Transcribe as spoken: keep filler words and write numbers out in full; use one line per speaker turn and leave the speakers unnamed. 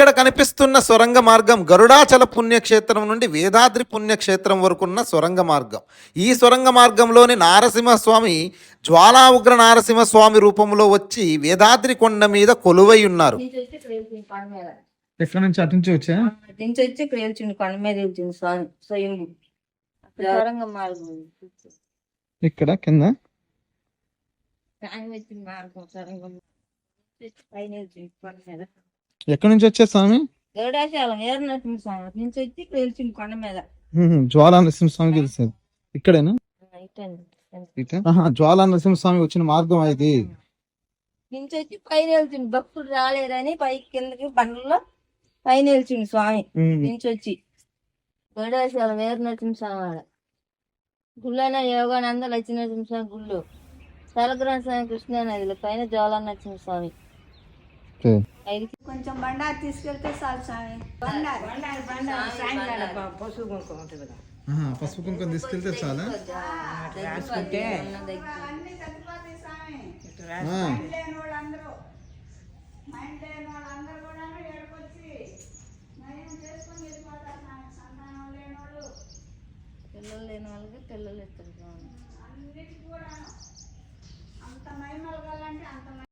ఇక్కడ కనిపిస్తున్న సొరంగ మార్గం గరుడాచల పుణ్యక్షేత్రం నుండి వేదాద్రి పుణ్యక్షేత్రం వరకున్న సొరంగ మార్గం. ఈ సొరంగ మార్గంలోని నారసింహస్వామి జ్వాలా ఉగ్ర నారసింహస్వామి రూపంలో వచ్చి వేదాద్రి కొండ మీద కొలువై ఉన్నారు.
ఎక్కడ నుంచి అటు నుంచి వచ్చా
నుంచి వచ్చి ఇక్కడ వెళ్తుంది కొండ మీద వెళ్తుంది స్వామి స్వయంభూ సొరంగ మార్గం
ఇక్కడ కింద
ఆయన వచ్చిన మార్గం సొరంగం పైన వెళ్తుంది కొండ మీద.
ఎక్కడి నుంచి వచ్చే స్వామి
గరుడాచలం ఏర్నరసింహ స్వామి నుంచి వచ్చి ఇక్కడ వెళ్తుంది కొండ మీద.
జ్వాలా నరసింహ స్వామి తెలిసేది ఇక్కడేనా?
ఇటండి.
ఇట జ్వాలా నరసింహ స్వామి వచ్చిన మార్గం ఇది.
నుంచి వచ్చి పైన వెళ్తుంది భక్తులు రాలేరని పైకి కిందకి బండ్లలో పైన వెళ్తుంది స్వామి నుంచి వచ్చి గరుడాచలం ఏర్నరసింహ స్వామి ఆడ గుళ్ళైన యోగానంద లక్ష్మీనరసింహ స్వామి గుళ్ళు సలగ్రామ స్వామి కృష్ణా నదిలో పైన జ్వాలా నరసింహ స్వామి.
కొంచెం బండారు తీసుకెళ్తే చాలు స్వామి. బండారు బండారు బండారు సాయంకాలం పసుపు కుంకుమ ఉంటుంది కదా,
పసుపు కుంకుమ తీసుకెళ్తే చాలా
రాసుకుంటే
దగ్గర
అన్ని తగ్గిపోతాయి స్వామి. మైండ్ లేని వాళ్ళందరూ మైండ్ లేని వాళ్ళందరూ కూడా ఏడుకొచ్చి నయం చేసుకొని వెళ్ళిపోతారు స్వామి. సంతానం లేని వాళ్ళు
పిల్లలు లేని వాళ్ళకి పిల్లలు ఇస్తారు స్వామి.
అన్నిటికీ కూడా అంత మహిమలు కలంటే అంత